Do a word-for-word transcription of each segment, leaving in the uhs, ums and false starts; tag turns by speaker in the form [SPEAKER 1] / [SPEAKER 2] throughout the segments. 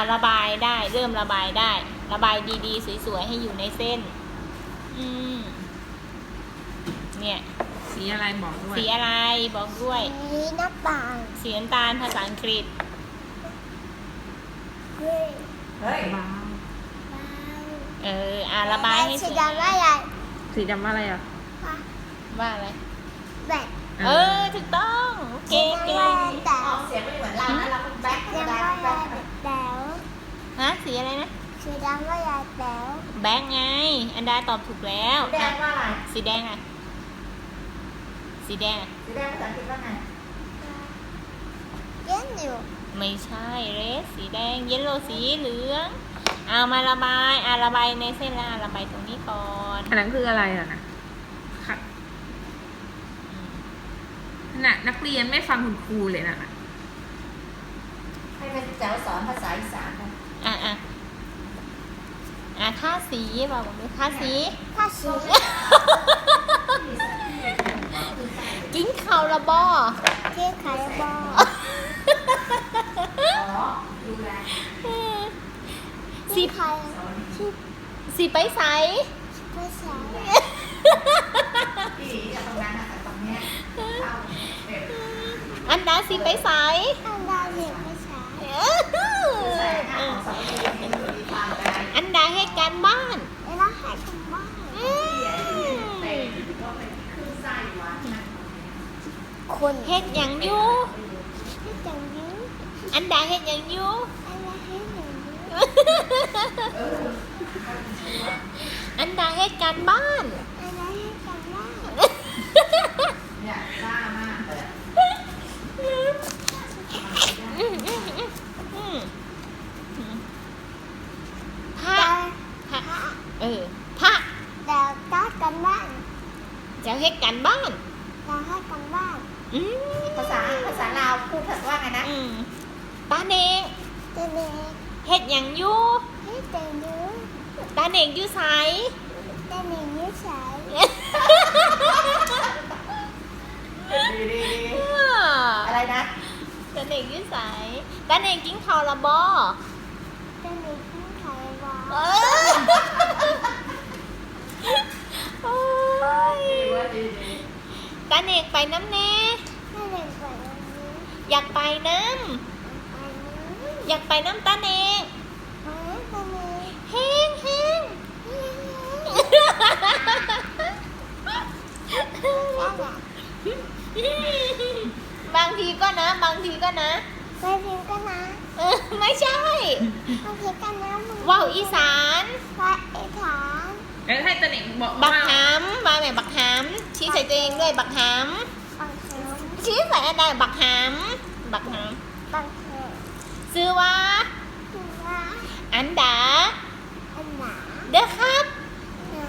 [SPEAKER 1] ระบายได้เริ่มระบายได้ ระบายดีๆสวยๆให้อยู่ในเส้นอืมเนี่ย
[SPEAKER 2] สีอะไรบอกด้วย
[SPEAKER 1] สีอะไรบอกด้วย
[SPEAKER 3] สีน้ำตาล
[SPEAKER 1] สีน้ำตาลภาษาอังกฤษ
[SPEAKER 3] เฮ้ย
[SPEAKER 2] เฮ้ยบ้า
[SPEAKER 1] เอออ่าระบายให้ส
[SPEAKER 3] สี
[SPEAKER 1] วย
[SPEAKER 3] ดำว่าอะไร
[SPEAKER 2] สีดำว่าอะไรอ่ะ
[SPEAKER 1] ว่าอะไร
[SPEAKER 3] แบบ
[SPEAKER 1] เออถูกต้องเก่งเก่ง
[SPEAKER 3] แต่
[SPEAKER 4] ออกเสียงไม่เหมือนเรานะเราเป็นแบ็คธรรม
[SPEAKER 3] ดำ
[SPEAKER 4] ดา
[SPEAKER 3] ว่า
[SPEAKER 4] แบ็ค
[SPEAKER 3] แต๋ว
[SPEAKER 1] ฮะสีอะไรนะ
[SPEAKER 3] สีดำว่าแต๋ว
[SPEAKER 1] แบงค์ไงอันดาตอบถูกแล้ว
[SPEAKER 4] แดงว่าอะไร
[SPEAKER 1] สีแดงอ่ะสีแดงอ่ะ
[SPEAKER 4] สีแดงภาษาอังกฤษว่าไง
[SPEAKER 3] เย็นอยู่
[SPEAKER 1] ไม่ใช่เรสสีแดงเยลโลสีเหลืองเอามาระบายอ่าระบายในเส้นละระบายตรงนี้ก่อน
[SPEAKER 2] อันนั้นคืออะไรอ่ะนะค่ะน่ะนักเรียนไม่ฟังคุณครูเลยน่ะ
[SPEAKER 4] ให้เป็นแจ๋วสอนภาษาอีสานนะ
[SPEAKER 1] อ่ะอ่ะอ่ะท่าสีบอกบอกด้วยท่าสี
[SPEAKER 3] ถ้าสี
[SPEAKER 1] กิ้งเข่าระบอ
[SPEAKER 3] เจ๊ขายบอ
[SPEAKER 4] อ๋อดูแล
[SPEAKER 1] สี
[SPEAKER 3] ขายที่
[SPEAKER 1] สีไปใส
[SPEAKER 3] ภาษา
[SPEAKER 4] ที่จะตรงนั้นนะแต่ตรงเนี้ยเข้าเด็ก
[SPEAKER 1] อันดาสีไปใส
[SPEAKER 3] อันดาเห็นภาษา
[SPEAKER 4] ใส่หน้าของสองคนเป็นมีทางอะไร
[SPEAKER 1] อันดาให้การบ้าน
[SPEAKER 3] เวลาหายคำว่า
[SPEAKER 1] อืม
[SPEAKER 4] เต็มก็เป็นคลื่นไส้หวานนะ
[SPEAKER 3] คน
[SPEAKER 1] เฮ็ดหยังอยู่
[SPEAKER 3] ที่จังยื้อ
[SPEAKER 1] อันดาเฮ็ดหยังอยู่
[SPEAKER 3] อันดาให้หนึ่งยื้อ
[SPEAKER 1] อันดาเฮ็ดการบ้าน
[SPEAKER 3] อันดาให้คำว่า
[SPEAKER 4] เนี่ยซ่ามากเลยอะ
[SPEAKER 1] อืมอืมอืมอืมอืมพระ
[SPEAKER 3] แต่
[SPEAKER 1] พระเออพระ
[SPEAKER 3] แต่ตัดกันบ้าน
[SPEAKER 1] จะเฮ็ดการบ้าน
[SPEAKER 3] เราให้กันบ้าน
[SPEAKER 1] อืม
[SPEAKER 4] ภาษาภาษาลาวพูดว่าไงนะ
[SPEAKER 1] อืมตาเนง
[SPEAKER 3] เจเน
[SPEAKER 1] เฮ็ดหยังอยู่
[SPEAKER 3] ให้เจยื้อ
[SPEAKER 1] ตาเนงอยู่ไส
[SPEAKER 3] เจเนยื้อสาย
[SPEAKER 4] ดีดีดี
[SPEAKER 1] เออ
[SPEAKER 4] อะไรนะ
[SPEAKER 1] ตาเนงอยู่ไสตาเนงกินข้าวและบ่
[SPEAKER 3] เจเนยื้อขายบอ
[SPEAKER 1] เออโอ้ย
[SPEAKER 4] ดีว่าดีดี
[SPEAKER 1] ตาเนงไปน้ำแน่
[SPEAKER 3] เจเนไปวันนี้
[SPEAKER 1] อยากไปน้
[SPEAKER 3] ไปนี้
[SPEAKER 1] ำอยากไปน้ำตาเนง
[SPEAKER 3] หาเจเน
[SPEAKER 1] แห้งแห้ง
[SPEAKER 3] นั่นแหละ
[SPEAKER 1] บางทีก็นะ บางทีก็นะ
[SPEAKER 3] ไปพิมพ์กันนะ
[SPEAKER 1] เออไม่ใช่
[SPEAKER 3] ไปพิมพ์กันนะมึง
[SPEAKER 1] ว่าวอีสาน
[SPEAKER 3] ไปไอ้ถาม
[SPEAKER 2] แล้วให้ตะหนิงบอก
[SPEAKER 1] บั
[SPEAKER 2] ว่าก
[SPEAKER 1] หามมาแม่บักหามชี้ใส่ตัวเองด้วยบักหาม
[SPEAKER 3] บังเฮิม
[SPEAKER 1] ชี้ใส่อะไรบักหามบักหาม
[SPEAKER 3] บังเฮิม
[SPEAKER 1] ซื้อว่า
[SPEAKER 3] คือว่า
[SPEAKER 1] อันดา
[SPEAKER 3] อันหนา
[SPEAKER 1] เด้อครับ
[SPEAKER 3] หนา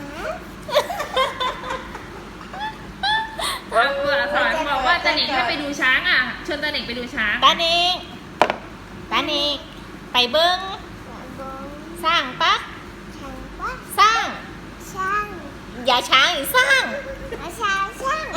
[SPEAKER 2] ว่าสอนบอกว่าตะหนิงให้ไปดูช้างอ่ะชวนตะหนิงไปดูช้าง
[SPEAKER 1] ตาเนงตาเนงไปเบิ้ง
[SPEAKER 3] หนาบง
[SPEAKER 1] สร้างปะ
[SPEAKER 3] ช่างว่า
[SPEAKER 1] สร้าง
[SPEAKER 3] ช่าง
[SPEAKER 1] อย่าช้างอีกสร้าง
[SPEAKER 3] อาช่างช่าง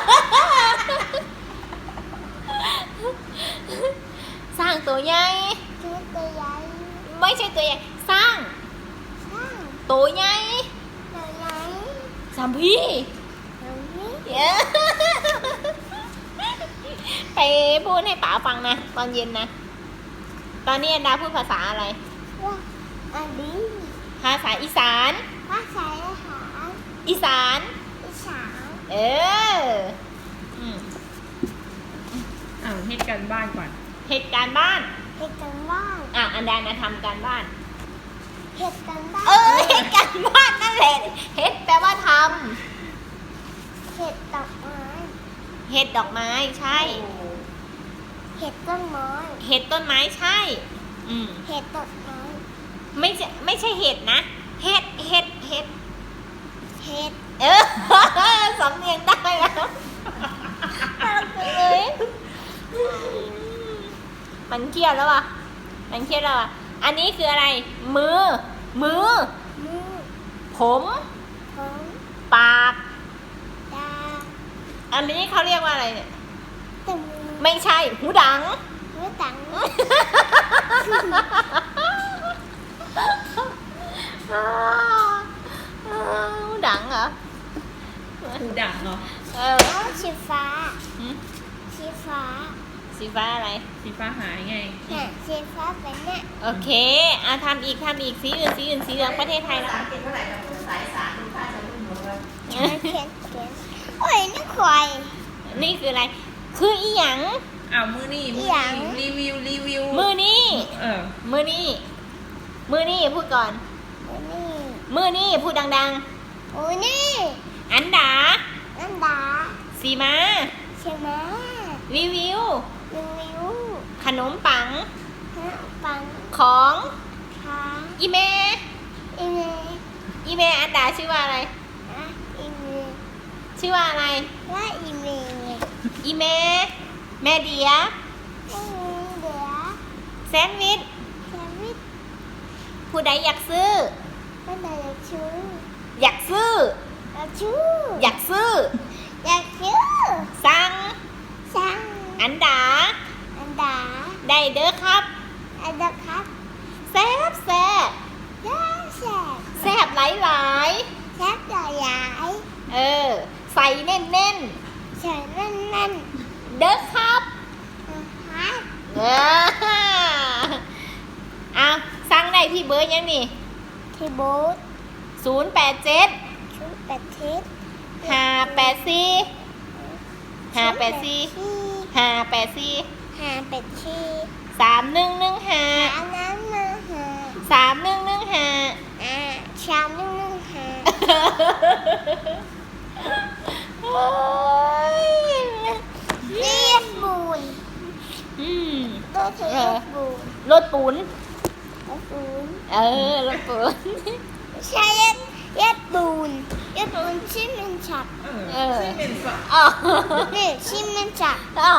[SPEAKER 1] สร้างตัวใหญ่
[SPEAKER 3] คือตัวใหญ่
[SPEAKER 1] ไม่ใช่ตัวใหญ่สร้าง
[SPEAKER 3] ช่าง
[SPEAKER 1] ตัวใหญ่
[SPEAKER 3] ตัวใหญ่
[SPEAKER 1] สามพี่
[SPEAKER 3] ตรงนี้
[SPEAKER 1] เย้ ไปพูดให้ป๋าฟังนะ ตอนเย็นนะ ตอนนี้อันดาพูดภาษาอะไร
[SPEAKER 3] ว่าอันนี้
[SPEAKER 1] ภาษาอีสาน
[SPEAKER 3] ภาษาอาหาร
[SPEAKER 1] อีสาน
[SPEAKER 3] อีสาน
[SPEAKER 1] เอออืม
[SPEAKER 2] เอาให้กันบ้านก่อน
[SPEAKER 1] เหตุการณ์บ้าน
[SPEAKER 3] เห็ดกันบ้าน
[SPEAKER 1] อ่ะ อันดานะทำการบ้าน
[SPEAKER 3] เห็ดกันบ้าน
[SPEAKER 1] เออเหตุการณ์บ้านนั่นแหละเฮ็ดแปลว่าท
[SPEAKER 3] เห็ดดอกไม้
[SPEAKER 1] ำเห็ดดอกไม้ใช่
[SPEAKER 3] เห็ดต้นไม้
[SPEAKER 1] เห็ดต้นไม้ใช่ อืม
[SPEAKER 3] เห็ดต้นไม้ ไม่
[SPEAKER 1] ไม่ใช่ไม่ใช่เห็ดนะ เห็ดเห็ดเห็ด
[SPEAKER 3] เห็ด
[SPEAKER 1] เออ สำเนียงได้แล้วเลยมันเครียดแล้วอ่ะ มันเครียดแล้วอ่ะ อันนี้คืออะไร มือ มือ
[SPEAKER 3] มือ
[SPEAKER 1] ผม
[SPEAKER 3] ผม
[SPEAKER 1] ปาก
[SPEAKER 3] ตา
[SPEAKER 1] อันนี้เขาเรียกว่าอะไรเนี่ย
[SPEAKER 3] จมูก
[SPEAKER 1] ไม่ใช่ หูดัง
[SPEAKER 3] หูตัง
[SPEAKER 1] ดังเหรอ
[SPEAKER 2] หูดังเนาะ
[SPEAKER 1] เออ
[SPEAKER 3] แล้วสีฟ้า
[SPEAKER 1] หืม
[SPEAKER 3] สีฟ้า
[SPEAKER 1] สีฟ้าอะไร
[SPEAKER 2] สีฟ้าหายไง
[SPEAKER 3] เนี่ยสีฟ้าเป็นเนี่ย
[SPEAKER 1] โอเคอ่ะทำอีกทำอีกสีอื่นสีอื่นสีเหลืองประเทศไทย
[SPEAKER 4] ภา
[SPEAKER 1] แล้ว
[SPEAKER 4] ษาอังกฤษเท่าไหร่กับภาษาอีสานดูค่าจะรุ่นหมดเลย
[SPEAKER 3] เขียนเขียนเขียนโอ้ยนี่ควาย
[SPEAKER 1] นี่คืออะไร คืออีหยัง
[SPEAKER 2] อ้าวมือนี่มือ
[SPEAKER 3] หยัง
[SPEAKER 2] นี่รีวิวรีวิว
[SPEAKER 1] มือนี่
[SPEAKER 2] เออ
[SPEAKER 1] มือนี่ มือนี่พูดก่อน
[SPEAKER 3] โอ้นี่
[SPEAKER 1] มือนี่พูดดัง
[SPEAKER 3] โอ้นี่
[SPEAKER 1] ๆ อันดา
[SPEAKER 3] นันดา
[SPEAKER 1] สีมา
[SPEAKER 3] ใช่ไหม
[SPEAKER 1] รีวิว
[SPEAKER 3] รีวิว
[SPEAKER 1] ขนมปัง
[SPEAKER 3] ฮะปัง
[SPEAKER 1] ของ
[SPEAKER 3] ค้าง
[SPEAKER 1] อีเม
[SPEAKER 3] อีเมล
[SPEAKER 1] อีเมอันดาชื่อว่าอะไร
[SPEAKER 3] นะอีเมล
[SPEAKER 1] ชื่อว่าอะไร
[SPEAKER 3] ว่าอีเมล
[SPEAKER 1] อีเม แม่เดีย
[SPEAKER 3] ไม่มีเดี๋ยว
[SPEAKER 1] แซนด์วิช
[SPEAKER 3] แซมวิช
[SPEAKER 1] ผู้ใดอยากซื้อ
[SPEAKER 3] ไม่ได้อยากชู้
[SPEAKER 1] อยากซื้อ
[SPEAKER 3] อยากชู้
[SPEAKER 1] อยากซื้อ
[SPEAKER 3] อยากชู้
[SPEAKER 1] สั่ง
[SPEAKER 3] สั่ง
[SPEAKER 1] อันดา
[SPEAKER 3] อันดา
[SPEAKER 1] ได้เด้อครับ
[SPEAKER 3] อันดาครับ
[SPEAKER 1] แซ่บแซ่บ
[SPEAKER 3] ย่าแสบ
[SPEAKER 1] แซ่บหลายหลาย
[SPEAKER 3] แสบใหญ่ใหญ่
[SPEAKER 1] ๆเออ ใส่แน่นแน่น
[SPEAKER 3] ใส่แน่นแน่น
[SPEAKER 1] ๆเด้อครับ
[SPEAKER 3] นะครับ
[SPEAKER 1] เออเอาสั่งได้ที่เบอร์ยังนี่
[SPEAKER 3] ที่บูธ
[SPEAKER 1] ศูนย์แปดเจ็ด
[SPEAKER 3] ชุดแปดทิศ
[SPEAKER 1] ห้าแปดสี่ห้าแปดสี่ห้าแปดสี่
[SPEAKER 3] หาเป็ดชี
[SPEAKER 1] สามหนึ่งหนึ่งห้า
[SPEAKER 3] หาน้ำมาหา
[SPEAKER 1] สามหนึ่งหนึ่งห้า
[SPEAKER 3] อ่าชามนึ่งนึ่งหา
[SPEAKER 1] โอ้ย
[SPEAKER 3] เรียบบูน
[SPEAKER 1] อืม
[SPEAKER 3] ตัวเธอเรียบบูน
[SPEAKER 1] รถปูน
[SPEAKER 3] เรียบบูน
[SPEAKER 1] เออ รถปูน
[SPEAKER 3] ใช่เรียบเรียบบูนเรียบบูนชิมมันฉับ
[SPEAKER 2] เออ
[SPEAKER 1] เออ
[SPEAKER 2] ซึ่งเป็นฝัก
[SPEAKER 1] อ๋อ
[SPEAKER 3] นี่ชิมมันฉับ
[SPEAKER 1] อ๋อ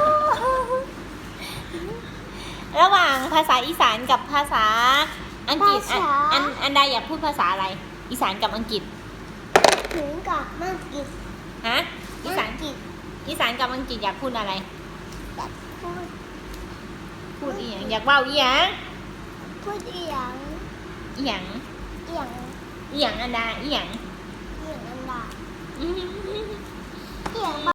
[SPEAKER 1] ระหว่างภาษาอีสานกับภาษาอังกฤษอันอันอันใดอยากพูดภาษาอะไร อีสานกับอังกฤษ
[SPEAKER 3] ถึงกับมากกิน
[SPEAKER 1] ฮะ อีสาน
[SPEAKER 3] กิน
[SPEAKER 1] อีสานกับอังกฤษอยากพูดอะไร
[SPEAKER 3] แบบพูด
[SPEAKER 1] พูดอีหยังอยากเว่าอีหยัง
[SPEAKER 3] พูดอีหยัง
[SPEAKER 1] อีหยัง
[SPEAKER 3] อีหยัง
[SPEAKER 1] อีหยังอันดาอีหยัง
[SPEAKER 3] อีหยังอันดา
[SPEAKER 1] อืม
[SPEAKER 3] อีหยัง